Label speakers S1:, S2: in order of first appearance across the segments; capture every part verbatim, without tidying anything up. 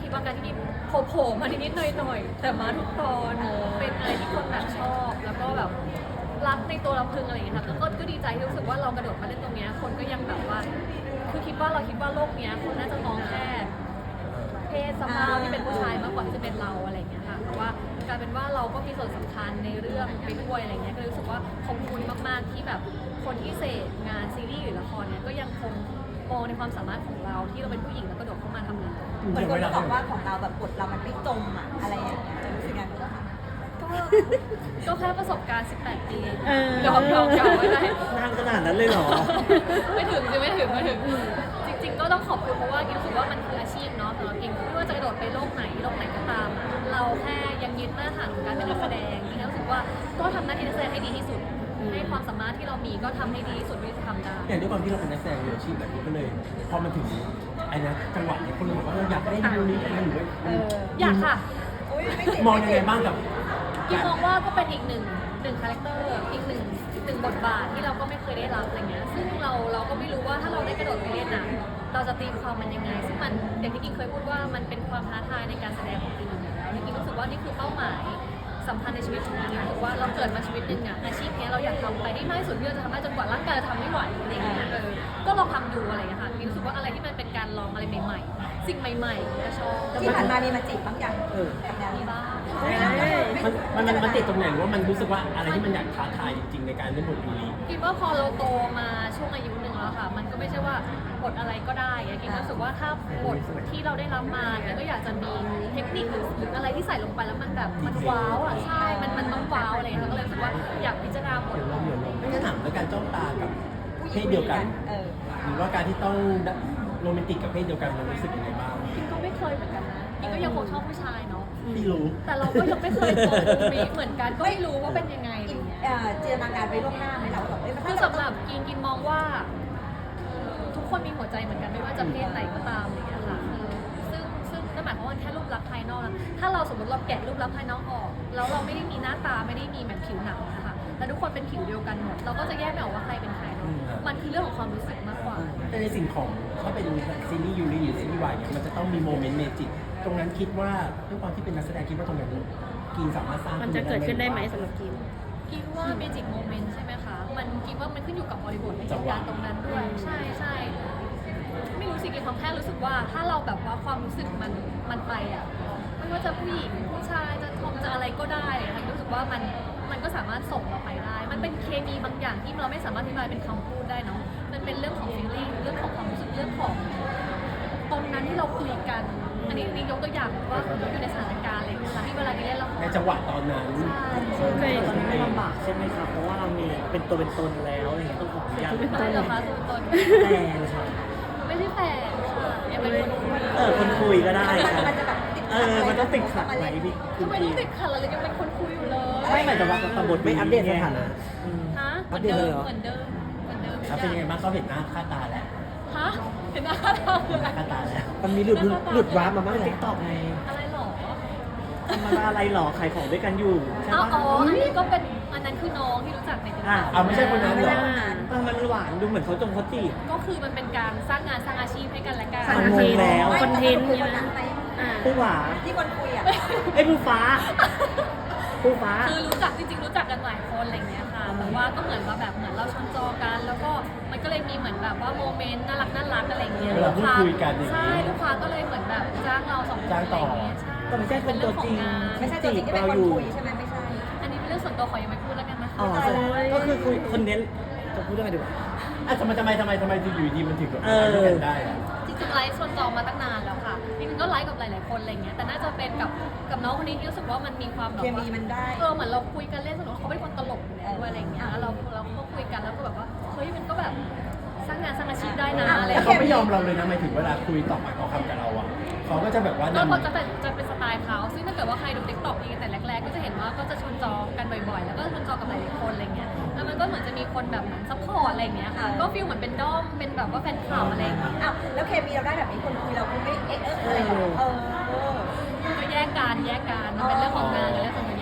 S1: คิดว่าการที่กินโผล่ๆมานิดๆหน่อยๆแต่มาทุกตอนเป็นอะไรที่คนแบบชอบแล้วก็แบบรักในตัวลำพึงอะไรอย่างเงี้ยค่ะก็ก็ดีใจที่รู้สึกว่าเรากระโดดมาเล่นตรงเนี้ยคนก็ยังแบบว่าคือคิดว่าเราคิดว่าโลกเนี้ยคนน่าจะมองแค่เพศสภาพที่เป็นผู้ชายมากกว่าที่จะเป็นเราอะไรอย่างเงี้ยค่ะเพราะว่ากลายเป็นว่าเราก็มีส่วนสำคัญในเรื่องไปด้วยอะไรเงี้ยก็รู้สึกว่าขอบคุณมากๆที่แบบคนที่เสพงานซีรีส์หรือละครเนี่ยก็ยังคงมองในความสามารถของเราที่เราเป็นผู้หญิงแล้วกระโดดเข้ามาทำงาน
S2: เหมือนคนบอกว่าของเราแบบบทเรามันไม่จมอะอะไรอย่างเงี้ยจะรู้สึกยังไงบ้างคะ
S1: ก็แค่ประสบการณ์ สิบแปด ปี
S3: เออ
S1: ยอมยอมยอมไม่ได้
S3: นานขนาดนั้นเลยเหรอ
S1: ไม่ถึงจะไม่ถึงไม่ถึง จริงๆ ก็ต้องขอบคุณเพราะว่ากินรู้สึกว่ามันคืออาชีพเนาะสำหรับกินไม่ว่าจะกระโดดไปโลกไหนโลกไหนก็ตามอะเราแค่ยังยึดมาตรฐานของการเป็นนักแสดงกินรู้สึกว่าก็ทำหน้าที่นักแสดงให้ดีที่สุด ให้ความสามารถที่เรามีก็ทำให้ดีที่สุดที่จะทำได้
S4: อย่างด้วยความที่เราเป็นนักแสดงมืออาชีพแบบนี้ก็เลยพอมันถึงไอ้นะจังหวะเนี่ยคนบอกว่าเราอยากได้ดูนี้อะไรหรือว่า
S1: อยากค่ะ
S2: อุ๊ยไม่ติด
S4: มองยังไงบ้างกับ
S1: กินมองว่าก็เป็นอีกหนึ่งหนึ่งคาแรคเตอร์อีกหนึ่งหนึ่งบทบาทที่เราก็ไม่เคยได้รับอะไรเงี้ยซึ่งเราเราก็ไม่รู้ว่าถ้าเราได้กระโดดไปเล่นอ่ะเราจะตีความมันยังไง ซึ่งมันอย่างที่กินเคยพูดว่ามันเป็นความท้าทายในการแสดงของกินอยู่แล้วกินรู้สึกว่านี่คือเป้าหมายสำคัญในชีวิตของกินรู้สึกว่าเราเกิดมาชีวิตหนึ่งอ่ะอาชีพนี้เราอยากทำไปได้มากที่สุดที่เราจะทำได้จนกว่าร่างกายจะทำไม่ไหวอะไรเงี้ยเออก็ลองทำดูอะไรเงี้ยค่ะกินรู้สึกว่าอะไรที่มันเป็นการลองอะไรใหม่ๆ สิ่งใหม่ๆก็ชอบ
S2: ที่ผ่านมามีมาจีบบ้างยัง
S3: เออ
S2: กับแนว
S1: มี
S2: นี้
S1: บ้าง
S4: มันมันมันมันติดตรงไหนหรือว่ามันรู้สึกว่าอะไรที่มันอยากท้าทายจริงๆในการเล่นบทนี้
S1: คิดว่าพอเราโตมาช่วงอายุหนึ่งแล้วค่ะ มันก็ไม่ใช่ว่าบทอะไรก็ได้อะคิดรู้สึกว่าถ้าบทที่เราได้รับมาเนี่ยก็อยากจะมีเทคนิคหรือหรืออะไรที่ใส่ลงไปแล้วมันแบบมันว้าวอ่ะใช่ มันมันต้องว้าวอะไรอย่างเงี้ยก็เลยรู้สึกว่าอยากพิจารณาบท
S4: ไม่งั้นถามแล้วการจ้องตากับเพศเดียวกัน
S2: เออ
S4: หรือว่าการที่ต้องโรแมนติกกับเพศเดียวกันมันรู้สึกยังไงบ้าง
S1: คิดก็ไม่เคยเหมือนกันนะคิดก็ยังคงชอบผู้ชายเนาะ
S4: พี่รู้
S1: แต่เราก็ยังไม่เคยโตตรงนี้เหมือนกันก็ไม่รู้ว่าเป็นยังไงอะไรเงี้ย
S2: เอ่อจินตนาการไว้ล่วงหน้าไหมเราแบบเอ้ยมัน
S1: คือสำหรับกินกินมองว่า ทุกคนมีหัวใจเหมือนกันไม่ว่าจะเพศไหนก็ตามอะไรอย่างเงี้ยค่ะเออซึ่งซึ่งนั่นหมายความว่าแค่รูปลักษณ์ภายนอกนะถ้าเราสมมติเราแกะรูปลักษณ์ภายนอกออกแล้วเราไม่ได้มีหน้าตาไม่ได้มีเหมือนผิวหนังนะคะแต่ทุกคนเป็นผิวเดียวกันหมดเราก็จะแยกไม่ออกว่าใครเป็นใครเนอะมันคือเรื่องของความรู้สึกมากกว่า
S4: แต่ในสิ่งของถ้าเป็นซีรีส์ยูริหรือซีรีส์วายเนี่ยมันจะต้องมีโมเมนต์เมจิกตรงนั้นคิดว่าด้วยความที่เป็นนักแสดงคิดว่าตรงนั้นกินสามารถสร้าง
S3: มันจะเกิดขึ้นได้ไหมสำหรับกิน
S1: คิดว่าเมจิกโมเมนต์ใช่ไหมคะ มันคิดว่ามันขึ้นอยู่กับบริบทในเหตุการณ์ตรงนั้นด้วย ใช่ใช่ไม่รู้สิกินความแค่รู้สึกว่าถ้าเราแบบว่าความรู้สึกมันมันไปอ่ะไม่ว่าจะผู้หญิงผู้ชายจะทอมจะอะไรก็ได้อะค่ะรู้สึกว่ามันมันก็สามารถส่งเราไปได้ มันเป็นเคมีบางอย่างที่เราไม่สามารถอธิบายเป็นคำพูดได้เนาะมันเป็นเรื่องของ feeling เรื่องของความรู้สึกเรื่องของตรงนั้นที่เราคุยกัน อันนี้นี่ยกตัวอย่างว่าอยู่ในสถานการณ์อะไรอย่างเงี้ยค่ะที่เวลาที่เล่นละคร
S4: ในจังหวะตอนนั้น
S1: ใช่
S3: เคย
S5: ตอนนี้ไม่ลำบากใช่ไหมครับ เพราะว่าเรามีเป็นตัวเป็นตนแล้วอะไรเงี้ยต้องขออนุญาต
S1: ไม่เหรอคะตัวตน
S5: แต่ครับ
S1: ไม่ใช่แฟนค่ะยังเป็นคนคุย
S5: เออคนคุยก็ได้ครับ
S2: มันจะแบบติด
S5: เออมันต้องติดขัดไหมพี่คุ
S1: ทำ
S5: ณ
S1: ไมต้
S5: พี่
S1: องติดขัดเราเลยยังเป็นคนคุยอยู่เลย
S5: ไม่หมายถึงว่าตำบล
S3: ไม่อัปเดตสถานะ
S5: อืม
S1: ฮะเห
S5: อั
S1: มือ
S5: ป
S1: น
S5: เดต
S1: เดิ
S5: เลย
S1: ม
S5: เหรอ
S1: เหมือนเดิมเหมือนเดิม
S4: แล้วเป็นยังไงบ้างเขาเห็นหน้าค่าตาแล้ว
S1: ฮะเห็นหน้าเราเล
S4: เห็นห
S1: ย
S4: น้าค่าตาแล้ว
S3: มันมีหลุดหลุดวาร์ปมาบ้าง
S5: ติ๊
S3: แล้
S5: ก
S3: ว
S5: ต็อกไง
S1: อะไรหรอ
S5: ธรรมดาอะไรหรอขายของด้วยกันอยู่ใช่
S1: เอา
S5: ปะ
S1: อ๋ออันนี้ก็เป็นอันนั้นคือน้องที่รู้จักในติ๊ก
S5: อ่ะ
S1: ต็อก
S4: เอาไม่ใช่คนนั้นเหรอ
S5: เออมันหวานดูเหมือนเขาจงเขาจีบ
S1: ก็คือมันเป็นการสร้างงานสร้างอาชีพให้กันและกัน
S3: สร้าง
S5: มันงงแล้ว
S3: คอนเทนต์
S2: คุย
S3: ใช่
S2: คน
S3: ไหม
S2: นั้นไหม
S3: อ่า
S5: ผู้หวา
S2: ที่คนคุยอ่ะ
S5: ไอ้ยผู้ฟ้าผู้ฟ้า
S1: คือรู้จักจริงๆรู้จักกันหลายคนอะไรอย่างเงี้ยค่ะแต่ว่าก็เหมือนว่าแบบเหมือนเราชนจอกัน แล้วก็มันก็เลยมีเหมือนแบบว่าโมเมนต์น่ารักน่ารักอะไรอย่างเงี้ย
S4: เวลาพูดคุยกันอย่างนี้
S1: ใช่ลูกค้าก็เลยเหมือนแบบจ้างเราสองคน
S4: จ้างต่อ
S1: ะไรย่เงี้ยใช่
S5: แต่ไม่ใช่คนตัวจริง
S2: ไม่ใช่ตัวจริงที่เป็นคนคุยใช่ไหมไม่ใช่
S1: อันนี้เป็นเรื่องส่วนตัวขอยังไม่พูดแล้วกันนะคะ
S5: อ๋อก็คือคุยคนเน้นจะพูดยังไงดีวะ
S4: อ่ะทำไมทำไมทำไมทำไมอยู่ดีมันถึงแบบมาด้วยกันได้อะ
S1: จริงๆไลฟ์ชวนจองมาตั้งนานแล้วค่ะจริงๆก็ไลฟ์กับหลายๆคนอะไรเงี้ยแต่น่าจะเป็นกับกับน้องคนนี้ที่รู้สึกว่ามันมีความแบบ
S2: เค
S1: ว่า
S2: มีมันได้
S1: เออเหมือนเราคุยกันเล่นสนุกเขาเป็นคนตลกอยู่แล้วด้วยอะไรเงี้ยแล้วเราเราก็คุยกันแล้วก็แบบว่าเฮ้ยมันก็แบบสร้างงานสร้างอาชีพได้นะอะไร
S4: แต่
S1: เงี้ย
S4: เขาไม่ยอมเราเลยนะหมายถึงเวลาคุยตอบปากต่อคำกับเราอ่ะเขาก็จะแบบว่า
S1: ก็
S4: นำ
S1: พอจะเป็นจะเป็นสไตล์เขาซึ่งถ้าเกิดว่าใครดูติ๊กต็อกเองแต่แรกๆก็จะเห็นว่าก็จะชวนจองกันบ่อยๆ แล้วก็ชวนจองกับหลายๆคนอะไรเงี้ยแล้วมันก็เหมือนจะมีคนแบบเหมือนซัพพอร์ตอะไรเงี้ยค่ะก็ฟีลเหมือนเป็นด้อมเป็นแบบว่าแฟนคลับอะไรเงี้ย
S2: อ้าวแล้วเคมีเราได้แบบนี้คนคุยเราคงไม่เอ๊ะเอ๊ะอะไรหรอกเออเออ
S1: ก็แยกกันแยกกันมันเป็นเรื่องของงานกับเรื่องส่วนตัวแยกกัน
S5: แต่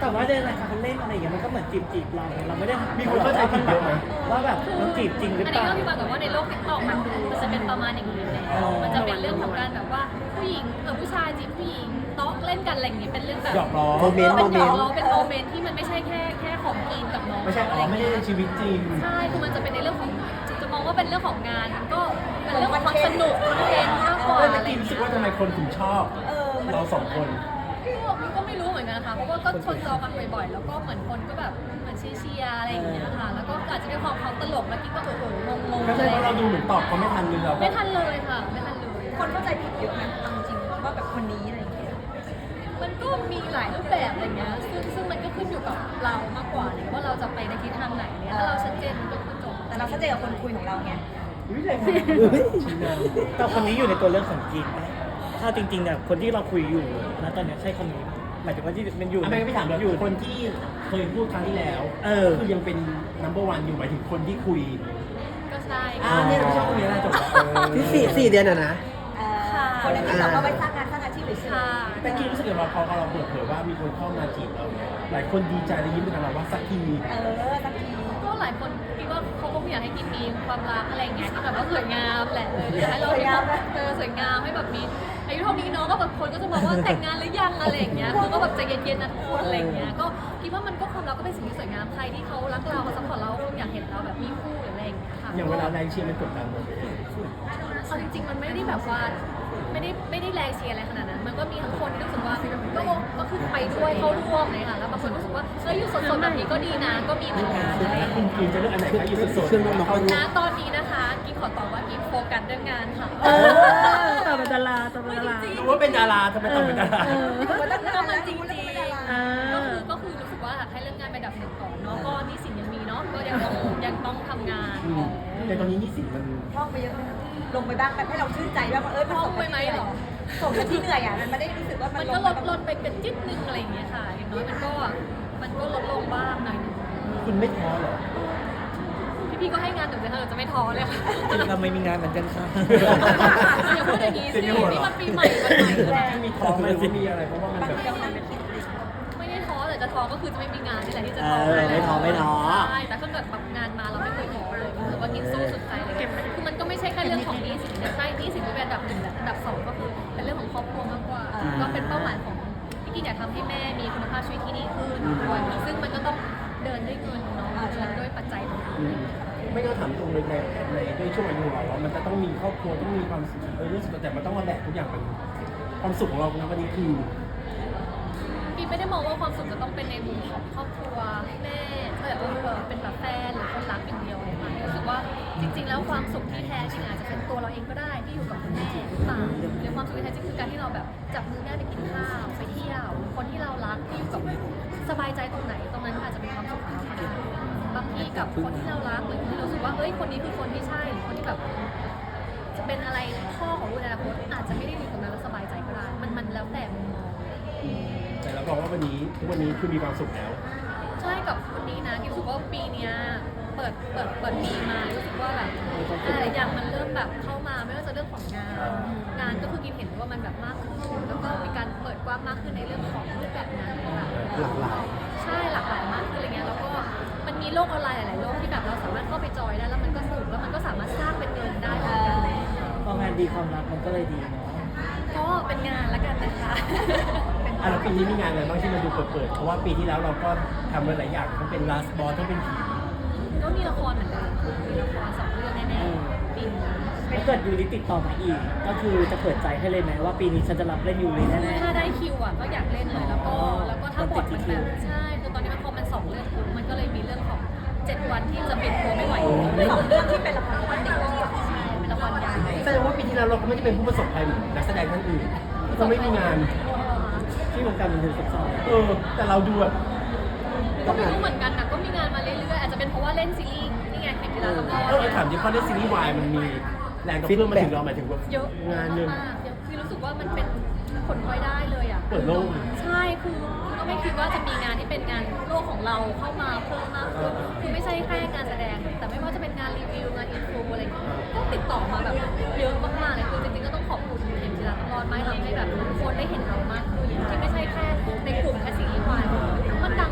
S5: แบบว่าในรายการเขาเล่นอะไรอย่างเงี้ยมันก็เหมือนจีบจีบๆเราเราไม่ได้ถาม
S4: มีคนเข้าใจผิดเยอะไหม
S5: ว่าแบบมันจีบจริงหรือ
S1: อัน
S5: เป
S1: นี้
S5: ล่า
S1: ก็พี่มากับว่าในโลกติ๊กต็อกมันมันจะเป็นประมาณอย่างนี้เลย
S5: อ๋อ
S1: มันจะเป็นเรื่องของการแบบว่าผู้หญิงเออผู้ชายจีบผู้หญิงโต๊ะเล่นกันอะไรอย่างงี้เป็นเรื่องแบบ
S4: หยอกล้อ
S3: โมเมนต์
S1: เป็
S3: โม
S1: น
S3: เม
S1: หย
S3: น
S1: อก
S3: ต์
S1: ล้อเป็นโมเมนต์ที่มันไม่ใช่แค่แค่ของกินกับน้อง
S4: ไม่ใช่อ๋อไม่ได้ในชีวิตจริง
S1: ใช่คือมันจะเป็นในเรื่องของจะมองว่าเป็นเรื่องของงานมันก็เป็นเรื่องของความสนุกคอนเทนต์มากกว่า
S4: เออ
S1: อะไร
S4: แต่
S1: อ
S4: กิน
S1: ย่าง
S4: รู้สึ
S1: เงี้
S4: ก
S1: ย
S4: ว่าทำไมคนถึงชอบ
S2: เออมัน
S4: เราสองคน
S1: ก็มันก็ไม่รู้เหมือนกันนะคะเพราะว่าก็ชนจอกันบ่อยๆ แล้วก็เหมือนคนก็แบบเหมือนเชียร์ๆอะไรอย่างเงี้ยค่ะ แล้วก็อาจจะเป็นความเขาตลกแล้วกิ๊กก็โอ้โหงงๆ
S4: ไม่
S1: อะ
S4: ใช่
S1: ไร
S4: เพราะเราดูเหมือนตอบเขาไม่ทันเลยเราก็
S1: ไม่ทันเลยค่ะ ไม่ทันเลย
S2: คนเข้าใจผิดเยอะไหมเอาจริงๆว่าแบบคนนี้อะไรอย่างเงี้ย
S1: มันก็มีหลายรูปแบบอะไรเงี้ย ซึ่งซึ่งมันก็ขึ้นอยู่กับเรามากกว่าเลยว่าเราจะไปในทิศทางไหนเนี่ยถ้าเราชัดเจนมันก็คือจบ
S2: แต่เราชัดเจนกับคนคุยของเราไง
S4: อุ้ยแรงมากชี้นำ
S5: แต่คนนี้อยู่ในตัวเรื่องของกินปะถ้าจริงๆเนี่ยคนที่เราคุยอยู่นะตอนเนี้ยใช่คนนี้ปะหมายถึงว่าที่มันอยู่
S4: อ่ะไม่ไม่ถามเลย
S5: อยู่
S4: คนที่เคยพูดครั้งที่แล้ว
S5: เออ
S4: คือยังเป็น number one อยู่หมายถึงคนที่คุย
S1: ก็ใช่
S4: อ่าเนี่ยเราชอบคนนี้แหละจบแล้ว
S3: ที่สี่สี่เดือนอะนะ
S2: เอ่อคนในที่เราก็ไปสร้างงานสร้างอาชีพเฉย
S1: ค่ะ
S4: แต่กี้รู้สึกว่าพอเราเปิดเผยว่ามีคนเข้ามาจีบเราเนี่ยหลายคนดีใจและยิ้มไปกับเราว่าสักที
S2: ๆเออสักที
S1: ก็หลายคนคิดว่าเขาคงอยากให้กินมีความรักอะไรอย่างเงี้ยที่แบบว่าสวยงามแหละเอออยากให้เราเออสวยงามให้แบบมีอายุเท่านี้เนาะก็แบบคนก็จะบอกว่าแต่งงานหรือยังอะไรอย่างเงี้ยคือก็แบบใจเย็นๆนะทุกคนอะไรอย่างเงี้ยก็คิดว่ามันก็ความรักก็เป็นสิ่งที่สวยงามใครที่เขารักเราเขาซัพพอร์ตเราคงอยากเห็นเราแบบมีคู่หรืออะไรอย่างเงี้ยค่ะ
S4: อย่างเวลาแรงเชียร์มันกดดันหมด
S1: เอาจริงๆ มันไม่ได้แบบว่าไม่ได้ไม่ได้แรงเชียร์อะไรขนาดนั้น มันก็มีทั้งคนที่รู้สึกว่าก็ก็คือไปด้วยเข้าร่วมเลยค่ะ แล้วบางคนรู้สึกว่าเฮ้ยอยู่สดๆแบบนี้ก็ดีนะ ก็มีเหมือนกันอะไรอย่าง
S4: คุณ
S1: เงี้ย
S4: กินจะเลือกอันไหนคะอยู่สด
S3: เครื่องน้ำมัน
S1: ณตอนนี้นะคะกิ๊กขอตอบว่ากิ๊กโฟกัสเรื่องงานค่ะ
S5: เออต่อเป็นดาราต่อเป็นดารา
S1: จริง
S4: รู้ว่าเป็นดาราทำไมต้องเป็นดารา
S5: เออ
S1: ก็มันจริงๆ
S5: อ่า
S1: ก็คือก็คือรู้สึกว่าอยากให้เรื่องงานเป็นอันดับหนึ่งก่อนเนาะ ก็หนี่สินยังมีเนาะ ก็ยังต้องยังต้องทำงาน
S4: อืมแต่ตอนนี้หนี่สินมัน
S2: ท่องไปเยอะไหมลงไปบ้างแบบให้เราชื่นใจว่าเออมันสมกับที่เหนื่อยสมกับที่เหนื่อยอ่ะมันไม่ได้รู้สึกว่ามั
S1: มัน น
S2: ล
S1: ก็
S2: ง
S1: ล
S2: ไป
S1: ดลดไปเป็นจิตนึงอะไรอย่างเงี้ยค่ะ อย่างน้อยมันก็มันก็ลดลงบ้างหน่อยนึง
S4: คุณไม่ท้อเหรอ
S1: พี่ๆก็ให้งานหนูเลยค่ะหนูจะไม่ท้อเลยค่ะ
S5: เราไม่มีงานเหมือนกันค่ะ
S1: อย่าพูดอย่างนี้สิ
S4: เสียงหัวเราะ
S1: นี่มันปีใหม่วันใหม่แล้ว
S4: มีท้อไหมหรือว่ามีอะไรเพราะว่ามัน
S2: บาง
S4: แบบ
S2: ทีเรานั่งคิด
S1: ไม่ได้ท้อแต่จะท้อก็คือจะไม่มีงานนี่แหละที่จะ
S5: เอ
S1: ท้อ
S5: อไม่ท้อไม่ท้อ
S1: ใช่แต่ถ้าเกิดแบบงานมาเราไม่เคยท้อเลยรู้สึกว่ากินสู้สุดใจเลยคือมันก็ไม่ใช่แค่เรื่องของหนี้สินนะใช่หนี้สินก็เป็นอันดับหนึ่งแหละอันดับสองก็คือเป็นเรื่องของครอบครัวมากกว่า ก็เป็นเป้าหมายของที่กินอยากทำให้แม่มีคุณภาพชีวิตที่ดีขึ้นด้วยซึ่งมันก็ต้องเดินด้วยเงินเนาะเดินด้วยปัจจัยต่าง
S4: อืมไม่ต้องถามตรงเลยในในด้วยช่วงอายุของเราว่ามันจะต้องมีครอบครัวต้องมีความสุขเออรู้สึกแต่มันต้องมาแบกทุกอย่างมันความสุขของเราในวันนี้คือ
S1: ๆกินไม่ได้มองว่าความสุขจะต้องเป็นในมุมของครอบครัวแม่เออเออเป็นแบบแฟนหรือคนรักอย่างเดียวเลยค่ะรู้สึกว่าจริง ๆ แล้วความสุขที่แท้จริงอาจจะเป็นตัวเราเองก็ได้ที่อยู่กับคุณแม่หรือเปล่าหรือความสุขที่แท้จริงคือการที่เราแบบจับมือแม่ไปกินข้าวไปเที่ยวคนที่เรารักที่อยู่กับสบายใจตรงไหนตรงนั้นอาจจะเป็นความสุขของเราก็ได้บางทีกับคนที่เรารักหรือคนที่เรารู้สึกว่าเอ้ยคนนี้คือคนที่ใช่หรือคนที่แบบ จะเป็นอะไรพ่อของลูกในอนาคตอาจจะไม่ได้อยู่ตรงนั้นแล้วสบายใจก็ได้ มันมันแล้วแต่มุมมอง
S4: แต่เราบอกว่าวันนี้ทุกวันนี้คือมีความสุขแล้ว
S1: ใช่กับคนนี้นะกิ๊บรู้สึกว่าปีเนี้ยเปิดเปิดเปิดปีมารู้สึกว่าแบบหลายๆอย่างมันเริ่มแบบเข้ามาไม่ว่าจะเรื่องของงาน งานก็คือกิ๊บเห็นว่ามันแบบมากขึ้นแล้วก็มีการเปิดกว้างมากขึ้นในเรื่องของรูปแบบงานต่าง
S3: หลากหลาย
S1: ใช่หลากหลายมากขึ้นอะไรเงี้ยแล้วก็มันมีโลกออนไลน์หลายๆโลกที่แบบเราสามารถเข้าไปจอยได้แล้วมันก็สนุกแล้วมันก็สามารถสร้างเป็นเงินได้เหมือนกัน
S5: พองานดีความรักมันก็เลยดีเนาะ
S1: ก็เป็นงานแล้วกันนะคะ
S4: อ่ะแล้วปีนี้มีงานอะไรบ้างที่มันดูเปิดๆเพราะว่าปีที่แล้วเราก็ทำมาหลายอย่างทั้งเป็นลาสบอลทั้งเป็นผี
S1: ก็มีละครเหมือนเดิมมีละครสองเรื่องแน่ๆปีนี้
S5: ถ้าเกิดยูริติดต่อมาอีก ก็คือจะเปิดใจให้เลยไหมว่าปีนี้ฉันจะรับเล่นยูริแน่
S1: ถ้าได้คิวอ่ะก็อยากเล่นเลยแล้วก็
S5: อ๋อ
S1: แล้วก็ถ้าบทมันแบบใช่คือตอนนี้มันพอมันสองเรื่องปุ๊บมันก็เลยมีเรื่องของเจ็ดวันที่จะปิดตัวไม่ไหว
S2: สองเรื่องที่เป็นละครวันเด็ก
S1: ใช่เป็นละครยาว
S4: แสดงว่าปีที่แล้วเราก็ไม่ได้เป็นผู้ประสบภัยเหมือนนักแสดงท่านอื่นก็ไม่มีงาน
S5: ๆที่วงการบันเทิงซับซ้อน
S4: เออ แต่เราดูแบบ
S1: ก็ไม่รู้เหมือนกันนะก็มีงานมาเรื่อยๆอาจจะเป็นเพราะว่าเล่นซีรีส์นี่ไงแข่งกีฬาตำรวจ
S4: เออถามจริงเพราะในซีรีส์วายมันมีแรงกระเพื่อมมาถึงเราหมายถึงว่า
S1: เยอะ
S4: งานหนึ่ง
S1: มากเยอะคือรู้สึกว่ามันเป็นผลพลอยได้เลยอ่ะ
S4: เปิดโลก
S1: ใช่คือก็ไม่คิดว่าจะมีงานที่เป็นงานโลกของเราเข้ามาเพิ่มมากขึ้นคือไม่ใช่แค่งานแสดง แต่ไม่ว่าจะเป็นงานรีวิวงานอินฟูอะไรอย่างเงี้ยก็ติดต่อมาแบบเยอะมากๆเลยคือจริงๆก็ต้องขอบคุณเข็มจิราตลอดไม่ทำให้แบบคนได้เห็นเรามากขึ้นที่ไม่ใช่แค่ในกลุ่มแค่ซีรีส์วายมันดัง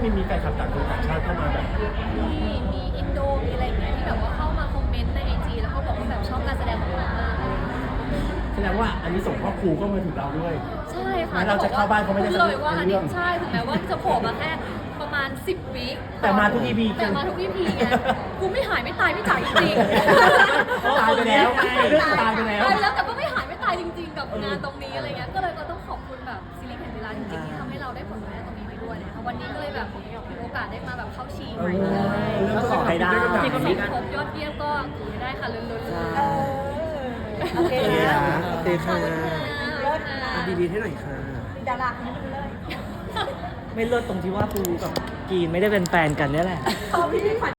S4: มีมีแฟนคลับต่างชาติต่างชาติเข้ามาแบบ
S1: มีมีอินโดมีอะไรอย่างเงี้ยที่แบบว่าเข้ามาคอมเมนต์ในไอจีแล้วก็บอกว่าแบบชอบการแสดงของเรามาก
S4: แสดงว่าอันนี้ส่งพ่อครูก็มาถึงเราด้วย
S1: ใช่ค่ะ
S4: งั้นเราจะเข้าบ้านเขาไม่ได้
S1: พูเลยว่าอันนี้
S4: เรื่อง
S1: ใช่ถึงแม้ว่าจะโผล่มาแค่ประมาณสิบวิ
S4: แต่มาทุก อี พี
S1: แต่มาทุก อี พีไงกูไม่หายไม่ตายไม่จ่ายจริง
S4: ตายไปแล้วตายไปแล้ว
S1: ตายไปแล้วแต่ก็ไม่หายไม่ตายจริงๆกับงานตรงนี้อะไรเงี้ยก็เลยก็ต้องขอบคุณแบบซีรีส์แห่งเวลาจริงๆที่ทำให้เราได้ผลงานตรงนี้ไปด้วยนะคะวันนี้ก็เลยแบบมีโอกาสได้มาแบบเข้าชิงใหม่เลย
S5: ก็ขอให้ได้
S1: ที่ก็มีครบยอดเยี่ยมก็ไม่ได้ค่ะลุ้นๆเลย
S2: เออโอเค
S3: โอเค
S2: นะ
S3: นะโอเคค่ะ
S2: เลิศนะ
S3: อ่ะดีๆให้หน่อยค่ะ
S2: มีดาราคนนี้เลย
S5: ไม่เลิศตรงที่ว่าปูกับกรีนไม่ได้เป็นแฟนกันเนี่ยแหละ
S2: เขาพี่ขวัญ